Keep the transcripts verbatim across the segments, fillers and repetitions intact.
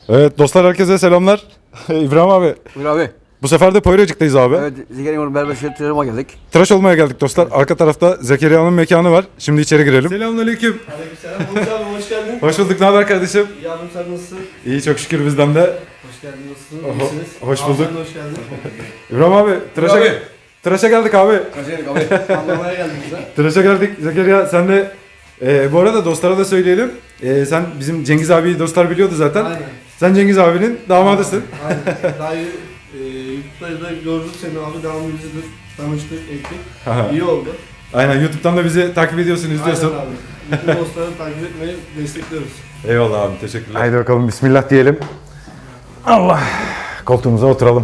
Evet dostlar, herkese selamlar. İbrahim abi. Buyur abi. Bu sefer de Poyracık'tayız abi. Evet, Zekeriya'nın berbeşleri tıraşıma geldik. Tıraş olmaya geldik dostlar. Arka tarafta Zekeriya'nın mekanı var. Şimdi içeri girelim. Selamünaleyküm. Aleykümselam. Hoş abi, hoş geldin. Hoş bulduk. Ne haber kardeşim? İyi abim, sen nasılsın? İyi, çok şükür bizden de. Hoş geldin, nasılsın? Oho, İyisiniz. hoş Abi, bulduk. sen de hoş geldin. İbrahim abi, tıraşa, Abi. tıraşa geldik abi. Kaçırdık abi. Anlamaya geldik bize. Tıraşa geldik. Zekeriya sen de e, bu arada dostlara da söyleyelim. E, sen bizim Cengiz abiyi dostlar biliyordu zaten. Aynen. Sen Cengiz abinin damadısın. Aynen. Daha iyi, e, YouTube'da da gördük seni abi, devamlı izledik, tanıştık, ettik. Aha. İyi oldu. Aynen, YouTube'dan da bizi takip ediyorsun, izliyorsun. Aynen abi. Bütün dostları takip etmeyi destekliyoruz. Eyvallah abi, teşekkürler. Haydi bakalım, bismillah diyelim. Allah. Koltuğumuza oturalım.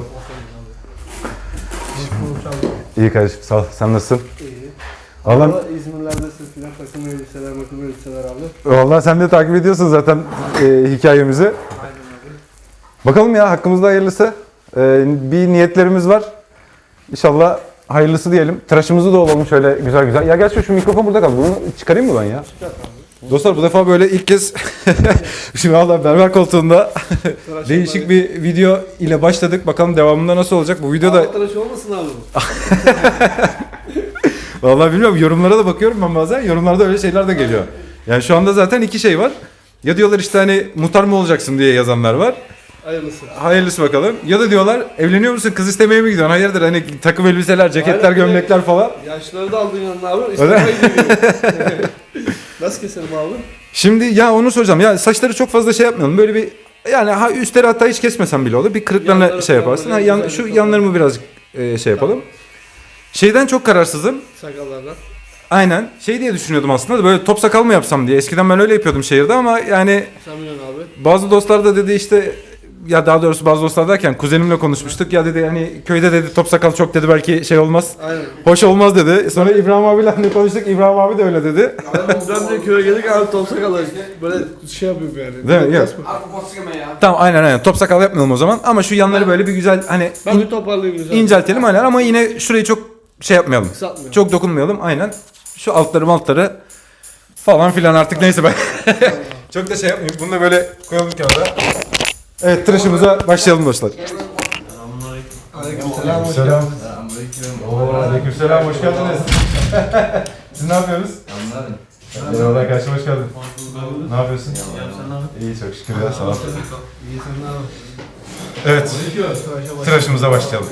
İyi kardeşim, sağ ol. Sen nasılsın? İyi. Valla Valla İzmirler'desin filan, takım elbiseler, makım elbiseler abi. vallahi sen de takip ediyorsun zaten e, hikayemizi. Aynen abi. Bakalım ya, hakkımızda hayırlısı. E, bir niyetlerimiz var. İnşallah hayırlısı diyelim. Tıraşımızı da olalım şöyle güzel güzel. Ya gerçi şu mikrofon burada kaldı. Bunu çıkarayım mı ben ya? Çıkart abi. Dostlar bu defa böyle ilk kez şimdi valla berber koltuğunda değişik bir video ile başladık. Bakalım devamında nasıl olacak bu videoda. Abi tıraş olmasın abi bu. Vallahi bilmiyorum, yorumlara da bakıyorum ben bazen. Yorumlarda öyle şeyler de geliyor. Yani şu anda zaten iki şey var. Ya diyorlar işte hani muhtar mı olacaksın diye yazanlar var. Hayırlısı. Hayırlısı bakalım. Ya da diyorlar evleniyor musun, kız istemeye mi gidiyorsun? Hayırdır, hani takım elbiseler, ceketler, Aynen, gömlekler falan. Yaşları da aldın yanına abi. İstemeye gidiyor. Nasıl keselim abi? Şimdi ya onu soracağım. Ya saçları çok fazla şey yapmayalım. Böyle bir yani ha üstleri hatta hiç kesmesem bile olur. Bir kırıklarına Yanları şey falan yaparsın. böyle Ha, yan, güzel şu bir yanlarımı birazcık e, şey yapalım. Şeyden çok kararsızım. Sakallardan. Aynen. Şey diye düşünüyordum aslında da, böyle top sakal mı yapsam diye. Eskiden ben öyle yapıyordum şehirde ama yani Sen biliyorsun abi. bazı dostlar da dedi işte, ya daha doğrusu bazı dostlar derken kuzenimle konuşmuştuk. Ya dedi hani köyde dedi top sakal çok dedi, belki şey olmaz. Aynen. Hoş olmaz dedi. Sonra İbrahim abiyle hani konuştuk. İbrahim abi de öyle dedi. Ben de köye geldik abi, top sakalı. Böyle şey yapıyorum yani. Değil mi? Yok. Abi kafası ya. Tamam, aynen aynen. Top sakal yapmayalım o zaman. Ama şu yanları böyle bir güzel hani Ben in- bir toparlayayım güzel. inceltelim aynen, ama yine şurayı çok şey yapmayalım. Kısaltmayalım. Çok dokunmayalım aynen. Şu altları altları falan filan artık neyse ben. Çok da şey yapmayayım. Bunu da böyle koyalım kenara. Evet, tıraşımıza başlayalım dostlar. Aleykümselam. hoş Selam. geldin. Oo, aleykümselam, hoş geldiniz. Siz ne yapıyorsunuz? Eyvallah kardeşim, hoş geldin. Ne yapıyorsun? İyi, çok şükür ya, sağ ol. İyi, sen ne yapıyorsun? Evet, Tıraşa bak. tıraşımıza başlayalım.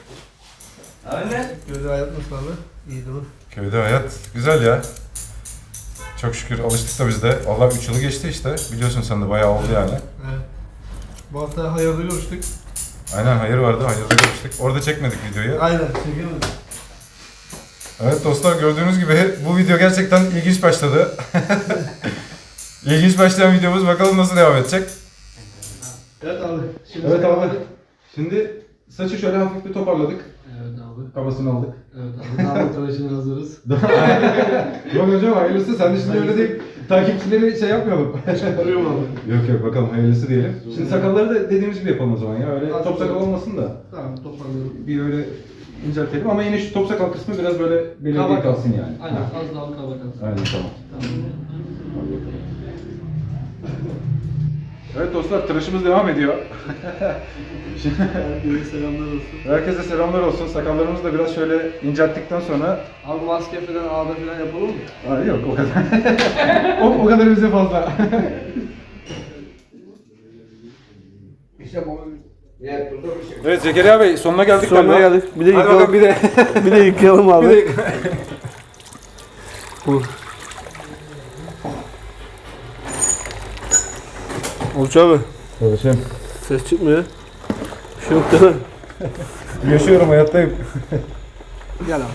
Köyde hayat nasıl abi? İyi değil mi? Köyde hayat güzel ya. Çok şükür alıştık da biz de. Vallahi üç yılı geçti işte. Biliyorsun sen de, bayağı oldu yani. Evet. Bu hafta hayırlı görüştük. Aynen, hayır vardı, hayırda görüştük. Orada çekmedik videoyu. Aynen. Çekemedik. Evet dostlar, gördüğünüz gibi bu video gerçekten ilginç başladı. İlginç başlayan videomuz, bakalım nasıl devam edecek. Evet abi. Şimdi Evet abi. Şimdi saçı şöyle hafif bir toparladık. Evet abi. Kafasını aldık. Evet abi. Damat tıraşına hazırız. Yok hocam, hayırlısı. Sen de şimdi öyle değil. Takipçileri şey yapmayalım. Arıyorum abi. Yok yok, bakalım hayırlısı diyelim. Şimdi sakalları da dediğimiz gibi yapalım o zaman ya. Öyle Az top sakal sonra. olmasın da. Tamam, toparlıyorum. Bir öyle inceltelim ama yine şu top sakal kısmı biraz böyle belirgin Kaba kalsın yani. Aynen. Ha. Az daha kaba kalsın. Aynen, tamam. Tamam. Evet dostlar, tıraşımız devam ediyor. Herkese selamlar olsun. Herkese selamlar olsun. Sakallarımızı da biraz şöyle incelttikten sonra... Abi maske falan, ağda falan yapalım mı? Aa, yok o kadar. o, o kadar bize fazla. İşte bu. Ya burada bir şey. Evet Zekeriya Bey, sonuna geldik Sonuna galiba. geldik. Bir de Hadi yıkayalım. bakalım, bir de. Bir de yıkayalım abi. bir de. Bu. Oluç abi. Kardeşim. Ses çıkmıyor. Bir şey yok değil mi? Yaşıyorum, hayattayım. Gel abi.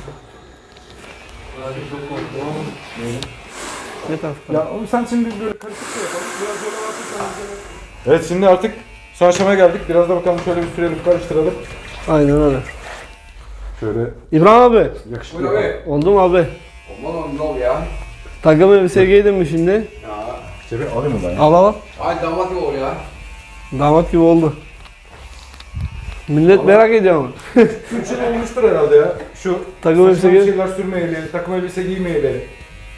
Ne tarafta? Ya oğlum sen şimdi böyle karışık şey yapalım. Biraz böyle bakırsanız. Evet, şimdi artık son aşamaya geldik. Biraz da bakalım, şöyle bir sürelim, karıştıralım. Aynen öyle. Şöyle İbrahim abi. yakışıklı. Buyur abi. Oldu mu abi? Aman oğlum ne ol ya? Takım elbise giydin mi şimdi? Ya. Cebi alayım mı ben ya? Al al. Ay damat gibi ol ya. Damat gibi oldu. Millet merak ediyor ama. üç yıl olmuştur herhalde ya. Şu Takım elbise saçma bir giy. şeyler sürmeyeli, takım elbise giymeyeli.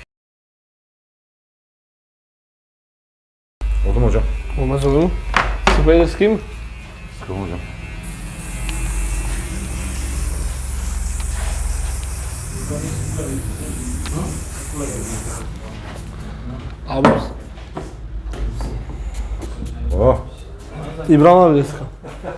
Oldu mu hocam? Olmaz olur mu? Spray'le sıkayım mı? Sıkılma hocam. Abi. Oh. İbrahim abi de sıkalım.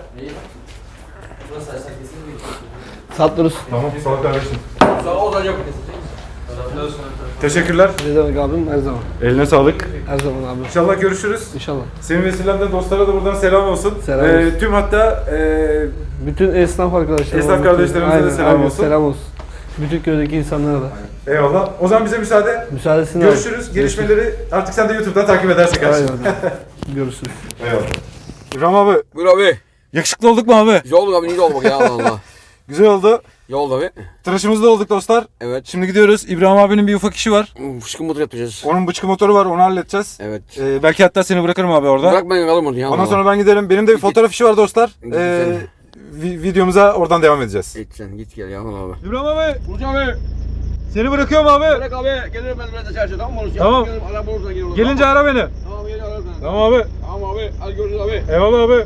Sattırız. Tamam. Sağ ol kardeşim. Sağ ol hocam. Teşekkürler. Ne demek abim? Her zaman. Eline sağlık. Her zaman abi. İnşallah görüşürüz. İnşallah. Senin vesilenle dostlara da buradan selam olsun. Selam Ee, olsun. tüm hatta e, Bütün esnaf arkadaşlarıma. Esnaf bütün- kardeşlerimize de Aynen, selam aynen, olsun. Selam olsun. Bütün köydeki insanlara da. eyvallah. O zaman bize müsaade. Müsaadesini Görüşürüz. al. Gelişmeleri artık sen de YouTube'dan takip edersin Aynen. kardeşim. Görüşürüz. Eyvallah. İbrahim abi, Buyur abi. yakışıklı olduk mu abi? Güzel oldu abi. Niye oldu bak ya Allah Allah. Güzel oldu. İyi oldu abi. Tıraşımız da olduk dostlar. Evet. Şimdi gidiyoruz. İbrahim abinin bir ufak işi var. Fışkın motor yapacağız. Onun bıçkı motoru var, onu halledeceğiz. Evet. Ee, belki hatta seni bırakırım abi orada. Bırak ben kalırım onu ya. Ondan sonra ben giderim. Benim de bir fotoğraf işi var dostlar. Git Ee, sen. vi- videomuza oradan devam edeceğiz. Git sen git gel ya Allah abi. İbrahim abi, Burcu abi. seni bırakıyorum abi. Bırak abi. Gelirim ben biraz da çarşı tamam mı? Tamam. Gelirim araba olursa gelirim. Gelince ara beni. Tamam gelirim ararım seni. Tamam abi. Tamam abi. Hadi görüşürüz abi. Eyvallah abi.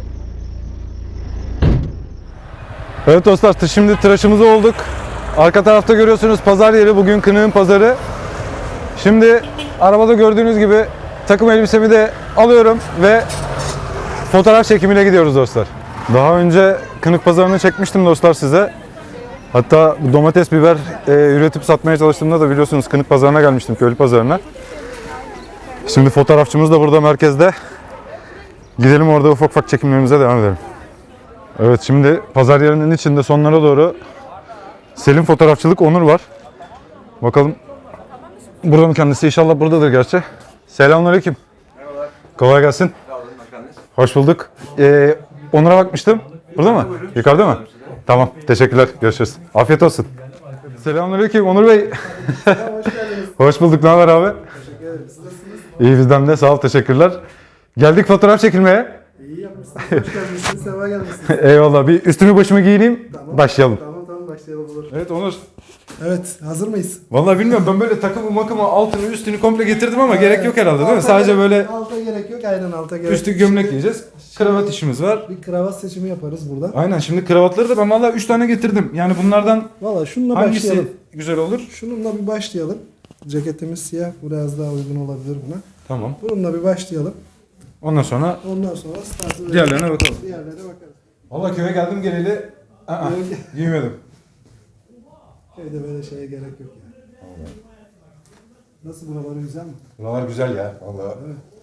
Evet dostlar, şimdi tıraşımız olduk. Arka tarafta görüyorsunuz pazar yeri, bugün Kınık'ın pazarı. Şimdi arabada gördüğünüz gibi takım elbisemi de alıyorum ve fotoğraf çekimine gidiyoruz dostlar. Daha önce Kınık pazarını çekmiştim dostlar size. Hatta bu domates, biber e, üretip satmaya çalıştığımda da biliyorsunuz Kınık pazarına gelmiştim, köylü pazarına. Şimdi fotoğrafçımız da burada merkezde. Gidelim orada ufak ufak çekimlerimize devam edelim. Evet, şimdi pazar yerinin içinde sonlara doğru Selim Fotoğrafçılık Onur var. Bakalım burada mı kendisi? İnşallah buradadır gerçi. Selamünaleyküm. Merhabalar. Kolay gelsin. Sağ olun bakanınız. Hoş bulduk. Ee, Onur'a bakmıştım. Burada mı? Yukarıda mı? Tamam. Teşekkürler. Görüşürüz. Afiyet olsun. Selamünaleyküm Onur Bey. Hoş geldiniz. Hoş bulduk. Ne haber abi? Teşekkür ederim. Siz nasılsınız? İyi, bizden de. Sağ ol. Teşekkürler. Geldik fotoğraf çekilmeye. İyi yapmışsınız. Hoş gelmişsiniz. Sefa gelmişsiniz. Eyvallah. Bir üstümü başımı giyineyim. Tamam. Başlayalım. Tamam tamam başlayalım olur. Evet Onur. Evet hazır mıyız? Vallahi bilmiyorum, ben böyle takımı makımı altını üstünü komple getirdim ama gerek yok herhalde değil mi? Alta Sadece gerek- böyle Alta gerek yok. Aynen alta gerek üstü yok. gömlek Şimdi giyeceğiz. Kravat işimiz var. Bir kravat seçimi yaparız burada. Aynen, şimdi kravatları da ben vallahi üç tane getirdim. Yani bunlardan Valla şununla hangisi başlayalım. güzel olur? Şununla bir başlayalım. Ceketimiz siyah. Biraz daha uygun olabilir buna. Tamam. Bununla bir başlayalım. Ondan sonra Ondan sonra startı verelim. diğerlerine bakalım. Diğerlerine bakarız. Vallahi köye geldim geleli aa, giymedim. Köyde böyle şeye gerek yok ya. Nasıl buraları güzel mi? Buralar güzel ya vallahi.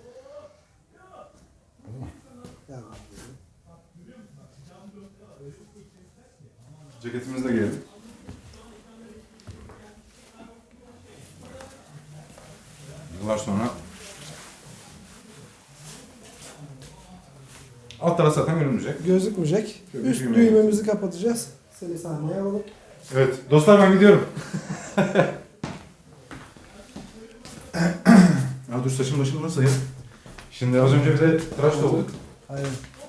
Yani. Ceketimizi de giyelim. Yıllar sonra alt taraf zaten görünmeyecek. Gözükmeyecek. Şöyle Üst düğmeye- düğmemizi kapatacağız. Seni sahneye alalım. Evet dostlar, ben gidiyorum. Ya dur, saçım başım nasıl ya? Şimdi az önce bir de tıraş da olduk. Aynen.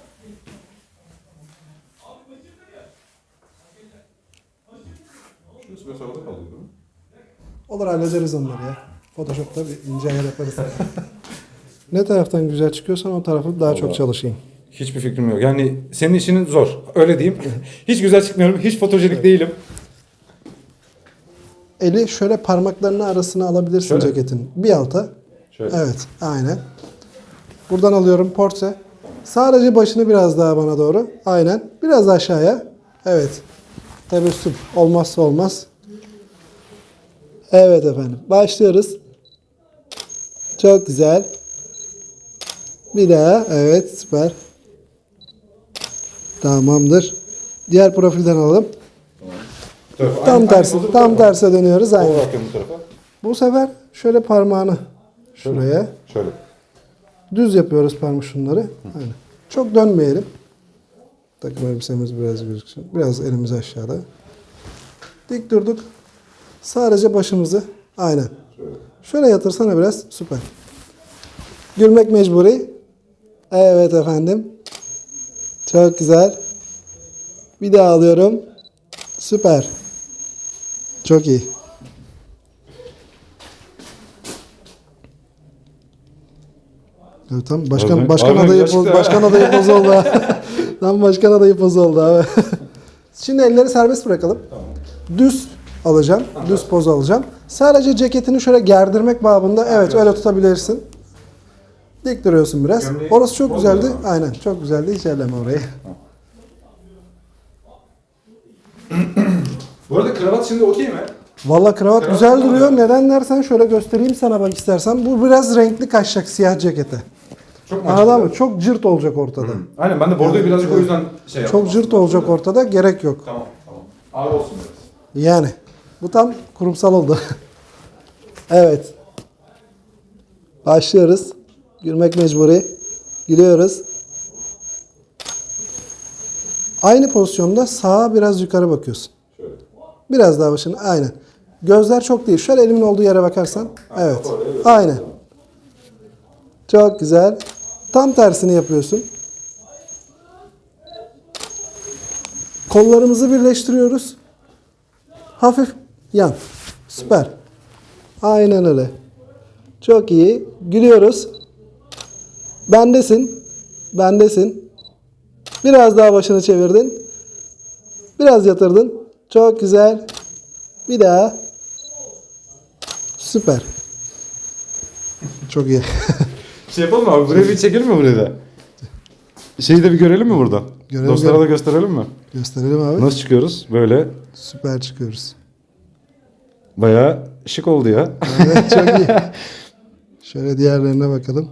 Şurası biraz havada kaldı değil mi? Olur hallederiz onları ya. Photoshop'ta bir ince ayar yaparız. Ne taraftan güzel çıkıyorsan o tarafı daha çok çalışayım. Hiçbir fikrim yok. Yani senin işinin zor. Öyle diyeyim. Hiç güzel çıkmıyorum. Hiç fotojenik değilim. Eli şöyle parmaklarının arasına alabilirsin Şöyle. ceketin. Bir alta. Şöyle. Evet, aynen. Buradan alıyorum portre. Sadece başını biraz daha bana doğru. Aynen. Biraz aşağıya. Evet. Tebessüm. Olmazsa olmaz. Evet efendim. Başlıyoruz. Çok güzel. Bir daha. Evet, süper. Tamamdır. Diğer profilden alalım. Tam tersi. Tam terse dönüyoruz. Aynen. Bakıyorum bu tarafa. Bu sefer şöyle parmağını şuraya. Şöyle. Düz yapıyoruz parmak şunları. Aynen. Çok dönmeyelim. Takım elbisemiz biraz gözüksün. Biraz elimiz aşağıda. Dik durduk. Sadece başımızı. Aynen. Şöyle yatırsana biraz. Süper. Gülmek mecburi. Evet efendim. Çok güzel. Bir daha alıyorum. Süper. Çok iyi. Evet, tamam. Başkan, Abi- başkan abi adayı yaşlı poz, ha. başkan adayı poz oldu ha. Tam başkan adayı poz oldu abi. Şimdi elleri serbest bırakalım. Düz alacağım. Düz poz alacağım. Sadece ceketini şöyle gerdirmek babında evet öyle tutabilirsin. Dik duruyorsun biraz. Gömleği Orası çok bozmuyor güzeldi. ama. Aynen çok güzeldi. Hiç elleme orayı. Bu arada kravat şimdi okey mi? Valla kravat Kravat güzel mı duruyor. oluyor? Neden dersen şöyle göstereyim sana bak istersen. Bu biraz renkli kaçacak siyah cekete. Çok mu Anladın açık? mı? Çok cırt olacak ortada. Aynen ben de bordoyu birazcık o yüzden şey yaptım. Çok cırt olacak ortada. Gerek yok. Tamam tamam. Ağır olsun biraz. Yani. Bu tam kurumsal oldu. Evet. Başlıyoruz. Gülmek mecburi. Gülüyoruz. Aynı pozisyonda sağa biraz yukarı bakıyorsun. Şöyle. Biraz daha başına. Aynen. Gözler çok değil. Şöyle elimin olduğu yere bakarsan. Evet. Aynen. Çok güzel. Tam tersini yapıyorsun. Kollarımızı birleştiriyoruz. Hafif yan. Süper. Aynen öyle. Çok iyi. Gülüyoruz. Bendesin. Bendesin. Biraz daha başını çevirdin. Biraz yatırdın. Çok güzel. Bir daha. Süper. Çok iyi. Şey yapalım mı abi? Buraya bir çekelim mi buraya da? Şeyi de bir görelim mi burada? Görelim, Dostlara görelim. da gösterelim mi? Gösterelim abi. Nasıl çıkıyoruz? Böyle Süper çıkıyoruz. bayağı şık oldu ya. Evet, çok iyi. Şöyle diğerlerine bakalım.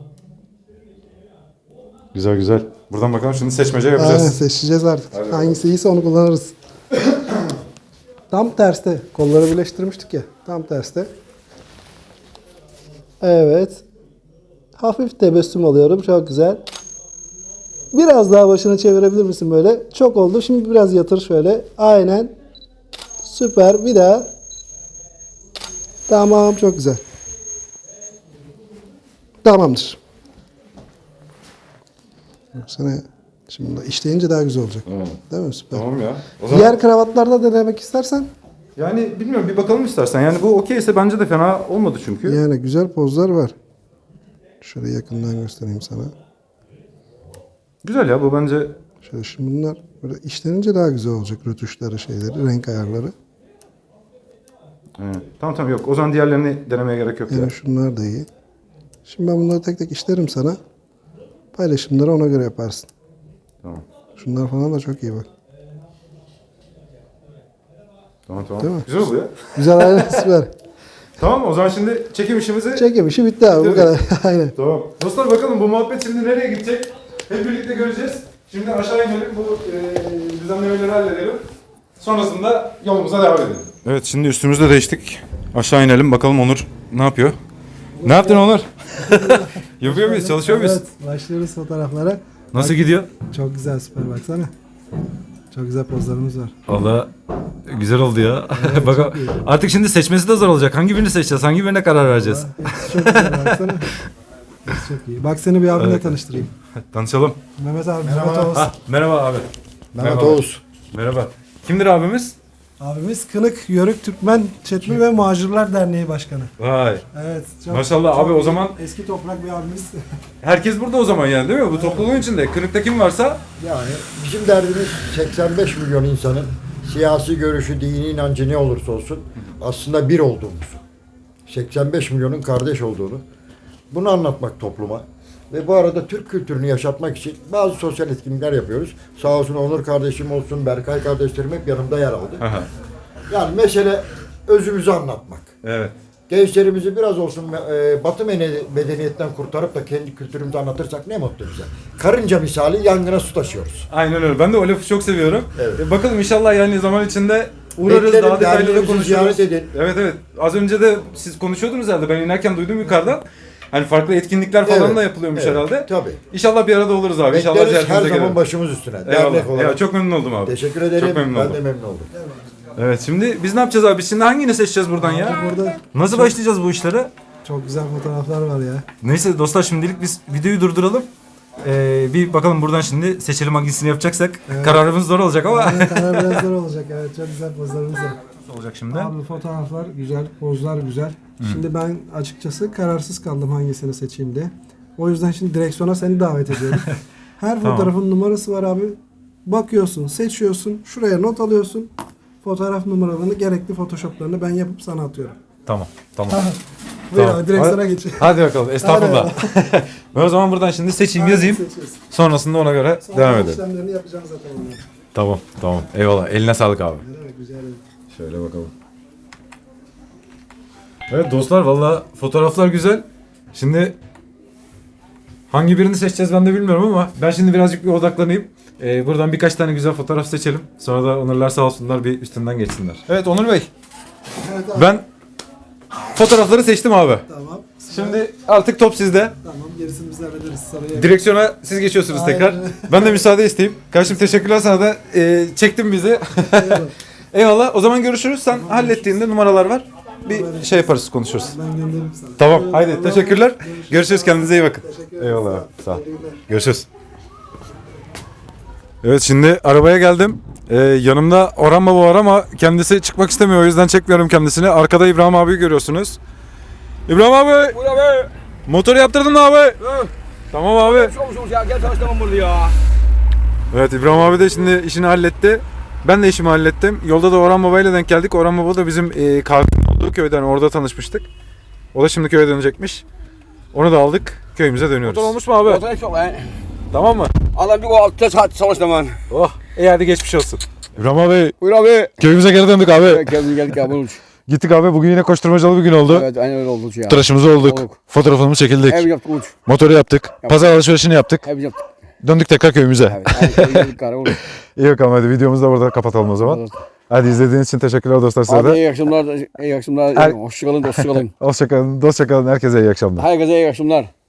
Güzel güzel. Buradan bakalım şimdi seçmece Aynen yapacağız. seçeceğiz artık. Hadi Hangisi iyiyse onu kullanırız. Tam terste. Kolları birleştirmiştik ya. Tam terste. Evet. Hafif tebessüm alıyorum. Çok güzel. Biraz daha başını çevirebilir misin böyle? Çok oldu. Şimdi biraz yatır şöyle. Aynen. Süper. Bir daha. Tamam. Çok güzel. Tamamdır. Baksana. Şimdi işleyince daha güzel olacak. Evet. Değil mi? Süper. Tamam ya. O zaman Diğer kravatlarda denemek istersen. yani bilmiyorum bir bakalım istersen. Yani bu okeyse bence de fena olmadı çünkü. Yani güzel pozlar var. Şöyle yakından göstereyim sana. Güzel ya bu bence. Şöyle şimdi bunlar böyle işlenince daha güzel olacak rötuşları, şeyleri, renk ayarları. Evet. Tamam tamam yok. O zaman diğerlerini denemeye gerek yok ya. Yani şunlar da iyi. Şimdi ben bunları tek tek işlerim sana. Paylaşımları ona göre yaparsın. Tamam. Şunlar falan da çok iyi bak. Tamam tamam. Değil mi? Güzel oluyor. Güzel aynen süper. Tamam o zaman şimdi çekim işimizi... Çekim işi bitti abi bu Bitirdik. kadar. Aynen. Tamam. Dostlar bakalım bu muhabbet şimdi nereye gidecek? Hep birlikte göreceğiz. Şimdi aşağı inelim bu e, düzenlemeleri halledelim. Sonrasında yolumuza devam edelim. Evet şimdi üstümüzü de değiştik. Aşağı inelim bakalım Onur ne yapıyor? Ne yaptın Onur? Yapıyor muyuz? Çalışıyor muyuz? Evet, başlıyoruz fotoğraflara. Nasıl gidiyor? Çok güzel süper baksana. Çok güzel pozlarımız var. Valla güzel oldu ya. Evet, Bak çok iyi. artık şimdi seçmesi de zor olacak. Hangi birini seçeceğiz? Hangi birine karar vereceğiz? Hepsi çok güzel baksana. Hepsi çok iyi. Bak seni bir abimle Evet. tanıştırayım. Tanışalım. Mehmet abi, Mehmet Oğuz. Ha, merhaba abi. Mehmet Merhaba. Oğuz. Merhaba. Kimdir abimiz? Abimiz Kınık Yörük Türkmen Çetmi ve Macirler Derneği Başkanı. Vay. Evet. Çok, Maşallah abi, o zaman- eski toprak bir abimiz. Herkes burada o zaman yani değil mi? Bu topluluğun içinde. Kırıkta kim varsa Yani bizim derdimiz seksen beş milyon insanın siyasi görüşü, dini inancı ne olursa olsun aslında bir olduğumuz. seksen beş milyonun kardeş olduğunu. Bunu anlatmak topluma. Ve bu arada Türk kültürünü yaşatmak için bazı sosyal etkinlikler yapıyoruz. Sağ olsun Onur kardeşim olsun, Berkay kardeşlerim hep yanımda yer aldı. Aha. Yani mesele özümüzü anlatmak. Evet. Gençlerimizi biraz olsun e, batı mene- medeniyetten kurtarıp da kendi kültürümüzü anlatırsak ne mutlu bize. Karınca misali yangına su taşıyoruz. Aynen öyle. Ben de o lafı çok seviyorum. Evet. E, bakalım inşallah yani zaman içinde uğrarız, Beklerim, daha detaylı da derneğimizi konuşuruz. ziyaret edin. Evet evet. Az önce de siz konuşuyordunuz herhalde. Ben inerken duydum yukarıdan. Hani farklı etkinlikler falan Evet, da yapılıyormuş evet, herhalde. tabii. İnşallah bir arada oluruz abi. İnşallah Bekleriz her ziyaretinize zaman gelelim. başımız üstüne. Eyvallah. Dernek olarak. Ya, çok memnun oldum abi. Teşekkür ederim. Çok memnun ben oldum. de memnun oldum. Evet şimdi biz ne yapacağız abi? Biz şimdi hangini seçeceğiz buradan ya? Burada Nasıl başlayacağız bu işlere? çok güzel fotoğraflar var ya. Neyse dostlar şimdilik biz videoyu durduralım. Ee, bir bakalım buradan şimdi seçelim hangisini yapacaksak. Evet. Kararımız zor olacak ama. Aynen, karar biraz zor olacak. Evet çok güzel pozlarımız var. Nasıl olacak şimdi? Abi fotoğraflar güzel, pozlar güzel. Şimdi ben açıkçası kararsız kaldım hangisini seçeyim diye. O yüzden şimdi direksiyona seni davet ediyorum. Her Tamam. fotoğrafın numarası var abi. Bakıyorsun, seçiyorsun, şuraya not alıyorsun. Fotoğraf numaralarını, gerekli photoshoplarını ben yapıp sana atıyorum. Tamam. Tamam. Buyur Tamam. abi, direksiyona Hadi- geç. Hadi bakalım. Estağfurullah. Ben o zaman buradan şimdi seçeyim, yazayım. Seçiyorsun. Sonrasında ona göre Sonra devam edelim. işlemlerini yapacağım zaten onu. Tamam, tamam. Eyvallah. Eline sağlık abi. Evet, güzel. Şöyle bakalım. Evet dostlar, valla fotoğraflar güzel. Şimdi hangi birini seçeceğiz ben de bilmiyorum ama ben şimdi birazcık bir odaklanayım. Ee, buradan birkaç tane güzel fotoğraf seçelim. Sonra da Onurlar sağ olsunlar bir üstünden geçsinler. Evet Onur Bey, Evet abi. ben fotoğrafları seçtim abi. Tamam. Şimdi artık top sizde. Tamam, gerisini biz hallederiz. Sarıya. Direksiyona siz geçiyorsunuz Aynen. tekrar. Ben de müsaade isteyeyim. Kardeşim teşekkürler sana da e, çektin bizi. Eyvallah. Eyvallah. O zaman görüşürüz. Sen hallettiğinde numaralar var. Bir şey yaparız, konuşuruz. Ben gönderirim sana. Tamam. Eyvallah. Haydi teşekkürler. Görüşürüz. Görüşürüz. Kendinize iyi bakın. Teşekkür ederim. Eyvallah. Sağ ol. İyi günler. Görüşürüz. Evet şimdi arabaya geldim. Ee, yanımda Orhan Baba var ama kendisi çıkmak istemiyor. O yüzden çekmiyorum kendisini. Arkada İbrahim abiyi görüyorsunuz. İbrahim abi. Buyur abi. Motoru yaptırdın mı abi? Tamam abi. Çok çok ya gel çalıştım burada ya. Evet İbrahim abi de şimdi işini halletti. Ben de işimi hallettim. Yolda da Orhan Baba ile denk geldik. Orhan Baba da bizim e, kahvenin olduğu köyden, orada tanışmıştık. O da şimdi köye dönecekmiş. Onu da aldık. Köyümüze dönüyoruz. Motor olmuş mu abi? Motor çok lan. Tamam mı? Adam bir o altı saat çalıştım ben. Oh. İyi hadi geçmiş olsun. İbrahim abi Buyur abi. köyümüze geri döndük abi. Geldik geldik abi. Buyur. Gittik abi, bugün yine koşturmacalı bir gün oldu. Evet aynen öyle oldu ya. Tıraşımızı olduk. Olduk. Fotoğrafımızı çekildik. Ev yaptık uç. Motoru yaptık. Pazar alışverişini yaptık. Ev yaptık. Döndük tekrar köyümüze. Evet. Aynen geldik kara olur. İyi bakalım hadi videomuzu da burada kapatalım o zaman. Hadi izlediğiniz için teşekkürler dostlar size Abi de. iyi akşamlar. İyi akşamlar. Her- Hoşçakalın, hoşçakalın. Hoşçakalın, dostça kalın. Herkese iyi akşamlar. Herkese iyi akşamlar.